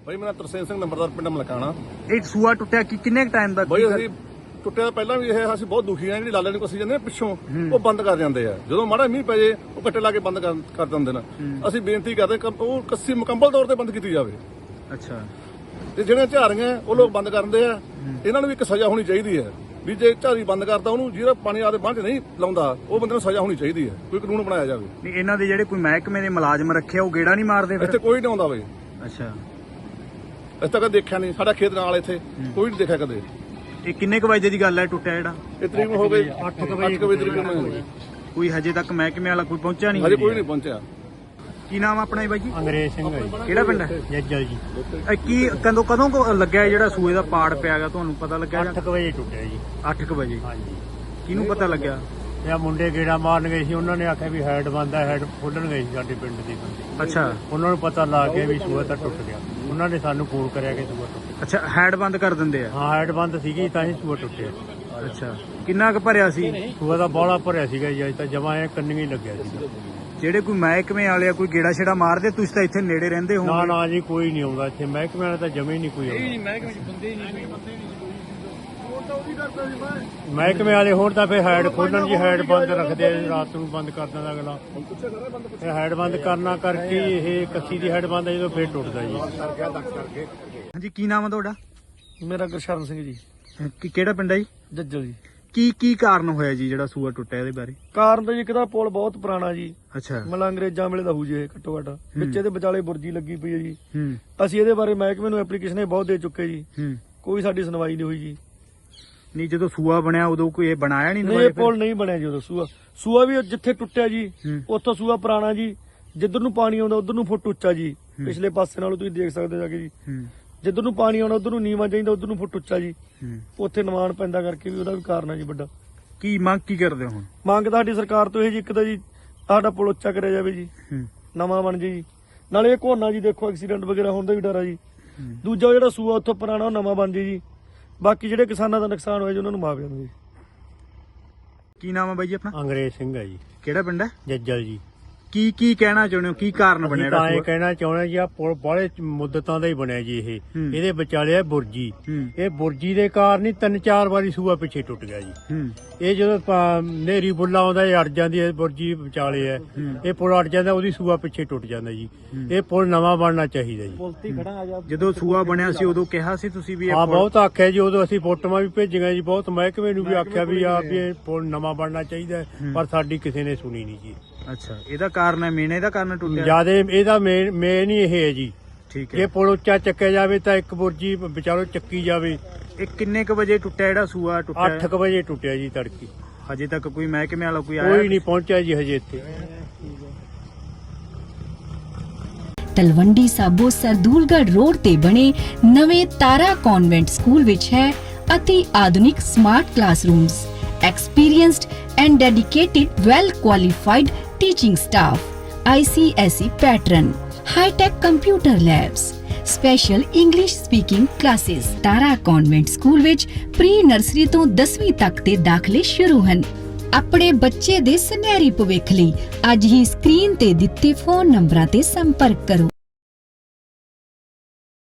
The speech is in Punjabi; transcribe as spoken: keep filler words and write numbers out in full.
भाई मेरा तरसेम सिंह नंबरदार पिंड मलकाना। एक सूआ टुटिया कि किन्ने टाइम ਦਾ भाई ਅਸੀਂ ਟੁੱਟਿਆ ਤਾਂ ਪਹਿਲਾਂ ਵੀ ਇਹ ਅਸੀਂ ਬਹੁਤ ਦੁਖੀ ਆ। ਜਿਹੜੀ ਲਾਲੇ ਨੂੰ ਕੱਸੀ ਜਾਂਦੇ ਨੇ ਪਿੱਛੋਂ ਉਹ ਬੰਦ ਕਰ ਜਾਂਦੇ ਆ। ਜਦੋਂ ਮਾੜਾ ਮੀਂਹ ਪੈ ਜੇ ਉਹ ਕੱਟੇ ਲਾ ਕੇ ਬੰਦ ਕਰ ਕਰ ਦਿੰਦੇ ਨੇ। ਅਸੀਂ ਬੇਨਤੀ ਕਰਦੇ ਉਹ ਕੱਸੀ ਮੁਕੰਮਲ ਤੌਰ ਤੇ ਬੰਦ ਕੀਤੀ ਜਾਵੇ। ਅੱਛਾ ਤੇ ਜਿਹੜੀਆਂ ਝਾਰੀਆਂ ਉਹ ਲੋਕ ਬੰਦ ਕਰਦੇ ਆ। ਇਹਨਾਂ ਨੂੰ ਵੀ ਇੱਕ ਸਜ਼ਾ ਹੋਣੀ ਚਾਹੀਦੀ ਹੈ ਵੀ ਜੇ ਝਾਰੀ ਬੰਦ ਕਰਦਾ ਉਹਨੂੰ ਜਿਹੜਾ ਪਾਣੀ ਆਦੇ ਬੰਦ ਨਹੀਂ ਲਾਉਂਦਾ ਉਹ ਬੰਦੇ ਨੂੰ ਸਜ਼ਾ ਹੋਣੀ ਚਾਹੀਦੀ ਹੈ। ਕੋਈ ਕਾਨੂੰਨ ਬਣਾਇਆ ਜਾਵੇ। ਨਹੀਂ ਇਹਨਾਂ ਦੇ ਜਿਹੜੇ ਕੋਈ ਮਹਿਕਮੇ ਦੇ ਮੁਲਾਜ਼ਮ ਰੱਖਿਆ ਉਹ ਗੇੜਾ ਨਹੀਂ ਮਾਰਦੇ ਫਿਰ? ਇੱਥੇ ਕੋਈ ਨਹੀਂ ਆਉਂਦਾ ਬਈ। ਅੱਛਾ ਅਸੀਂ ਤਾਂ ਕਦੇ ਦੇਖਿਆ ਨਹੀਂ। ਸਾਡਾ ਖੇਤ ਨਾਲ ਇੱਥੇ ਕੋਈ ਨਹੀਂ ਦੇਖਿਆ ਕਦੇ। ਇਹ ਕਿੰਨੇ ਕੁ ਵਜੇ ਦੀ ਗੱਲ ਹੈ ਟੁੱਟਿਆ ਜਿਹੜਾ? ਇਹ ਤਰੀਕ ਨੂੰ ਹੋ ਗਈ ਅੱਠ ਕੁ ਵਜੇ ਤਰੀਕ ਨੂੰ। ਕੋਈ ਹਜੇ ਤੱਕ ਮਹਿਕਮੇ ਵਾਲਾ ਕੋਈ ਪਹੁੰਚਿਆ ਨਹੀਂ? ਹਜੇ ਕੋਈ ਨਹੀਂ ਪਹੁੰਚਿਆ। ਕੀ ਨਾਮ ਆ ਆਪਣਾ ਜੀ ਬਾਈ ਜੀ? ਅੰਗਰੇਜ਼ ਸਿੰਘ ਹੈ ਜੀ। ਕਿਹੜਾ ਪਿੰਡ ਹੈ? ਜੱਜਲ ਜੀ। ਇਹ ਕੀ ਕਦੋਂ ਕਦੋਂ ਕੁ ਲੱਗਿਆ ਜਿਹੜਾ ਸੂਏ ਦਾ ਪਾੜ ਪਿਆ ਗਾ ਤੁਹਾਨੂੰ ਪਤਾ ਲੱਗਿਆ? ਅੱਠ ਕੁ ਵਜੇ ਟੁੱਟਿਆ ਜੀ। ਅੱਠ ਕੁ ਵਜੇ। ਹਾਂਜੀ। ਕਿਹਨੂੰ ਪਤਾ ਲੱਗਿਆ? ਇਹ ਮੁੰਡੇ ਗੇੜਾ ਮਾਰਨ ਗਏ ਸੀ। ਉਹਨਾਂ ਨੇ ਆਖਿਆ ਵੀ ਹੈਡ ਬੰਦ ਹੈ, ਹੈਡ ਖੋਲਣ ਗਏ ਸੀ ਸਾਡੇ ਪਿੰਡ ਦੇ ਬੰਦੇ। ਅੱਛਾ ਉਹਨਾਂ ਨੂੰ ਪਤਾ ਲੱਗ ਗਿਆ ਵੀ ਸੂਆ ਤਾਂ ਟੁੱਟ ਗਿਆ। ਉਹਨਾਂ ਨੇ ਸਾਨੂੰ ਫੋਨ ਕਰਿਆ ਕਿ ਸੂਆ ਟੁੱਟ ਗਿਆ। ਅੱਛਾ ਹੈਡ ਬੰਦ ਕਰ ਦਿੰਦੇ ਆ? ਹਾਂ ਹੈਡ ਬੰਦ ਸੀਗੀ ਤਾਂ ਹੀ ਸੂਆ ਟੁੱਟਿਆ। ਅੱਛਾ ਕਿੰਨਾ ਕੁ ਭਰਿਆ ਸੀ? ਸੂਆ ਦਾ ਬੋਲਾ ਭਰਿਆ ਸੀਗਾ ਜੀ। ਅੱਜ ਤਾਂ ਜਮਾ ਇਹ ਕੰਨੀ ਲੱਗਿਆ ਸੀਗਾ। ਜਿਹੜੇ ਕੋਈ ਮਹਿਕਮੇ ਵਾਲੇ ਆ ਕੋਈ ਗੇੜਾ ਛੇੜਾ ਮਾਰਦੇ? ਤੁਸੀਂ ਤਾਂ ਇੱਥੇ ਨੇੜੇ ਰਹਿੰਦੇ ਹੋ। ਨਾ ਨਾ ਜੀ ਕੋਈ ਨਹੀਂ ਆਉਂਦਾ ਇੱਥੇ। ਮਹਿਕਮੇ ਵਾਲਾ ਤਾਂ ਜਮੇ ਨਹੀਂ ਕੋਈ ਆਉਂਦਾ। ਮਹਿਕਮੇ ਚ ਬੰਦੇ ਨਹੀਂ। ਮਹਿਕਮੇ ਵਾਲੇ ਹੋਰ ਤਾਂ ਫਿਰ ਹੈਡ ਖੋਲਣ ਜੀ ਹੈਡ ਬੰਦ ਰੱਖਦੇ ਆ। ਰਾਤ ਨੂੰ ਬੰਦ ਕਰ ਦਿੰਦਾ ਅਗਲਾ। ਇਹ ਹੈਡ ਬੰਦ ਕਰਨਾ ਕਰਕੇ ਇਹ ਕੱਸੀ ਦੀ ਹੈਡ ਬੰਦ ਆ ਜਦੋਂ ਫਿਰ ਟੁੱਟਦਾ ਜੀ। ਹਾਂਜੀ ਕੀ ਨਾਮ ਆ ਤੁਹਾਡਾ? ਮੇਰਾ ਗੁਰਸ਼ਰਨ ਸਿੰਘ ਜੀ। ਕੀ ਕਿਹੜਾ ਪਿੰਡ ਹੈ ਜੀ? ਜੱਜਲ ਜੀ। ਕੀ ਕੀ ਕਾਰਨ ਹੋਇਆ ਜੀ ਜਿਹੜਾ ਸੂਆ ਟੁੱਟਿਆ ਇਹਦੇ ਬਾਰੇ? ਕਾਰਨ ਤਾਂ ਜੀ ਇੱਕ ਤਾਂ ਪੁਲ ਬਹੁਤ ਪੁਰਾਣਾ ਜੀ। ਅੱਛਾ ਮਤਲਬ ਅੰਗਰੇਜ਼ਾਂ ਵੇਲੇ ਦਾ ਹੋਊ ਜੀ ਇਹ ਘੱਟੋ ਘੱਟ। ਵਿੱਚ ਇਹਦੇ ਵਿਚਾਲੇ ਬੁਰਜੀ ਲੱਗੀ ਪਈ ਹੈ ਜੀ। ਹੂੰ ਅਸੀਂ ਇਹਦੇ ਬਾਰੇ ਮਹਿਕਮੇ ਨੂੰ ਐਪਲੀਕੇਸ਼ਨ ਬਹੁਤ ਦੇ ਚੁੱਕੇ ਜੀ। ਹੂੰ ਕੋਈ ਸਾਡੀ ਸੁਣਵਾਈ ਨਹੀਂ ਹੋਈ ਜੀ। ਨਹੀਂ ਜਦੋਂ ਸੂਆ ਬਣਿਆ ਉਦੋਂ ਕੋਈ ਇਹ ਬਣਾਇਆ ਨਹੀਂ? ਨਹੀਂ ਇਹ ਪੁਲ ਨਹੀਂ ਬਣਿਆ ਜੀ ਉਦੋਂ। ਸੂਆ ਸੂਆ ਵੀ ਜਿੱਥੇ ਟੁੱਟਿਆ ਜੀ ਹੂੰ। ਉੱਥੋਂ ਸੂਆ ਪੁਰਾਣਾ ਜੀ। ਜਿੱਧਰ ਨੂੰ ਪਾਣੀ ਆਉਂਦਾ ਉਧਰ ਨੂੰ ਫੁੱਟ ਉੱਚਾ ਜੀ। ਪਿਛਲੇ ਪਾਸੇ ਨਾਲੋਂ ਤੁਸੀਂ ਦੇਖ ਸਕਦੇ ਹੋ ਜਾ ਕੇ ਜੀ। ਹੂੰ ਜਿੱਧਰ ਨੂੰ ਪਾਣੀ ਆਉਣਾ ਉਧਰ ਨੂੰ ਨੀਵਾਂ ਚਾਹੀਦਾ, ਉਧਰ ਨੂੰ ਫੁੱਟ ਉੱਚਾ ਜੀ। ਹੂੰ ਉੱਥੇ ਨਿਵਾਣ ਪੈਂਦਾ ਕਰਕੇ ਵੀ ਉਹਦਾ ਵੀ ਕਾਰਨ ਹੈ ਜੀ ਵੱਡਾ। ਕੀ ਮੰਗ ਕੀ ਕਰਦੇ ਹੋ ਹੁਣ? ਮੰਗ ਤਾਂ ਸਾਡੀ ਸਰਕਾਰ ਤੋਂ ਇਹ ਜੀ ਇੱਕ ਤਾਂ ਜੀ ਸਾਡਾ ਪੁਲ ਉੱਚਾ ਕਰਿਆ ਜਾਵੇ ਜੀ, ਹੂੰ ਨਵਾਂ ਬਣ ਜੇ ਜੀ। ਨਾਲੇ ਇਹ ਘੋਨਾ ਜੀ ਦੇਖੋ ਐਕਸੀਡੈਂਟ ਵਗੈਰਾ ਹੋਣ ਦਾ ਵੀ ਡਰ ਆ ਜੀ। ਹੂੰ। ਦੂਜਾ ਜਿਹੜਾ ਸੂਆ ਉੱਥੋਂ ਪੁਰਾਣਾ ਉਹ ਨਵਾਂ ਬਣ ਜੇ ਜੀ। ਬਾਕੀ ਜਿਹੜੇ ਕਿਸਾਨਾਂ ਦਾ ਨੁਕਸਾਨ ਹੋਇਆ ਜੀ ਉਹਨਾਂ ਨੂੰ ਮੁਆਵਜ਼ਾ ਮਿਲੇ ਜੀ। ਕੀ ਨਾਮ ਆ ਬਾਈ ਜੀ ਆਪਣਾ? ਅੰਗਰੇਜ਼ ਸਿੰਘ ਹੈ ਜੀ। ਕਿਹੜਾ ਪਿੰਡ ਹੈ? ਜੱਜਲ ਜੀ। ਕੀ ਕੀ ਕਹਿਣਾ ਚਾਹੁੰਦੇ ਹੋ? ਕੀ ਕਾਰਨ ਬਣਿਆ ਅਸੀਂ ਤਾਂ ਜਿਹੜਾ ਇਹ ਸੂਆ? ਕਹਿਣਾ ਚਾਹੁੰਦੇ ਜੀ ਆ ਪੁਲ ਬਾਹਲੇ ਮੁੱਦਤਾਂ ਦਾ ਹੀ ਬਣਿਆ ਜੀ ਇਹ। ਹੂੰ। ਇਹਦੇ ਵਿਚਾਲੇ ਆ ਬੁਰਜੀ। ਹੂੰ ਇਹ ਬੁਰਜੀ ਦੇ ਕਾਰਨ ਹੀ ਤਿੰਨ ਚਾਰ ਵਾਰੀ ਸੂਆ ਪਿੱਛੇ ਟੁੱਟ ਗਿਆ ਜੀ। ਹੂੰ ਇਹ ਜਦੋਂ ਪ- ਨੇਰੀ ਬੁੱਲਾ ਆਉਂਦਾ ਇਹ ਅੜ ਜਾਂਦੀ ਹੈ ਬੁਰਜੀ ਵਿਚਾਲੇ ਹੈ। ਹੂੰ। ਇਹ ਪੁਲ ਅੜ ਜਾਂਦਾ ਉਹਦੀ ਸੂਆ ਪਿੱਛੇ ਟੁੱਟ ਜਾਂਦਾ ਜੀ। ਇਹ ਪੁਲ ਨਵਾਂ ਬਣਨਾ ਚਾਹੀਦਾ ਜੀ। ਜਦੋਂ ਸੂਆ ਬਣਿਆ ਸੀ ਉਦੋਂ ਕਿਹਾ ਸੀ ਤੁਸੀਂ ਵੀ ਇਹ ਹਾਂ ਪੁਲ- ਬਹੁਤ ਆਖਿਆ ਜੀ। ਉਦੋਂ ਅਸੀਂ ਫੋਟੋਆਂ ਵੀ ਭੇਜੀਆਂ ਜੀ। ਬਹੁਤ ਮਹਿਕਮੇ ਨੂੰ ਵੀ ਆਖਿਆ ਵੀ ਆ ਵੀ ਇਹ ਪੁਲ ਨਵਾਂ ਬਣਨਾ ਚਾਹੀਦਾ ਹੈ, ਹੂੰ। ਪਰ ਸਾਡੀ ਕਿਸੇ ਨੇ ਸੁਣੀ ਨਹੀਂ ਜੀ। ਅੱਛਾ ਇਹਦਾ ਕਾਰਨ ਹੈ ਮੇਨ ਇਹਦਾ ਕਾਰਨ ਟੁੱਟਿਆ? ਜਿਆਦੇ ਇਹਦਾ ਮੇਨ ਮੇਨ ਹੀ ਇਹ ਹੈ ਜੀ। ਠੀਕ ਜੇ ਹੈ। ਪੁਲ ਉੱਚਾ ਚੱਕਿਆ ਜਾਵੇ ਤਾਂ ਇੱਕ ਬੁਰਜੀ ਵਿਚਾਰੋ ਚੱਕੀ ਜਾਵੇ। ਇਹ ਕਿੰਨੇ ਕ ਵਜੇ ਟੁੱਟਿਆ ਜਿਹੜਾ ਸੂਆ ਟੁੱਟਿਆ? ਅੱਠ ਕੁ ਵਜੇ ਟੁੱਟਿਆ ਜੀ ਤੜਕੀ। ਹਜੇ ਤੱਕ ਕੋਈ ਮਹਿਕਮੇ ਵਾਲਾ ਕੋਈ ਆਇਆ? ਕੋਈ ਨਹੀਂ ਪਹੁੰਚਿਆ ਜੀ ਹਜੇ ਇੱਥੇ। ਤਲਵੰਡੀ ਸਾਬੋ ਸਰਦੂਲਗੜ੍ਹ ਰੋਡ ਤੇ ਬਣੇ ਨਵੇਂ ਤਾਰਾ ਕਨਵੈਂਟ ਸਕੂਲ ਵਿੱਚ ਹੈ ਅਤੀ ਆਧੁਨਿਕ smart classrooms, experienced and dedicated well qualified teaching staff, I C S E pattern, high tech computer labs, special English speaking classes। Tara convent school ਵਿੱਚ ਪ੍ਰੀ ਨਰਸਰੀ ਤੋਂ ਦਸਵੀਂ ਤੱਕ ਦੇ ਦਾਖਲੇ ਸ਼ੁਰੂ ਹਨ। ਆਪਣੇ ਬੱਚੇ ਦੇ ਸੁਨਹਿਰੀ ਭਵਿੱਖ ਲਈ ਅੱਜ ਹੀ ਸਕਰੀਨ ਤੇ ਦਿੱਤੇ ਫੋਨ ਨੰਬਰਾਂ ਤੇ ਸੰਪਰਕ ਕਰੋ।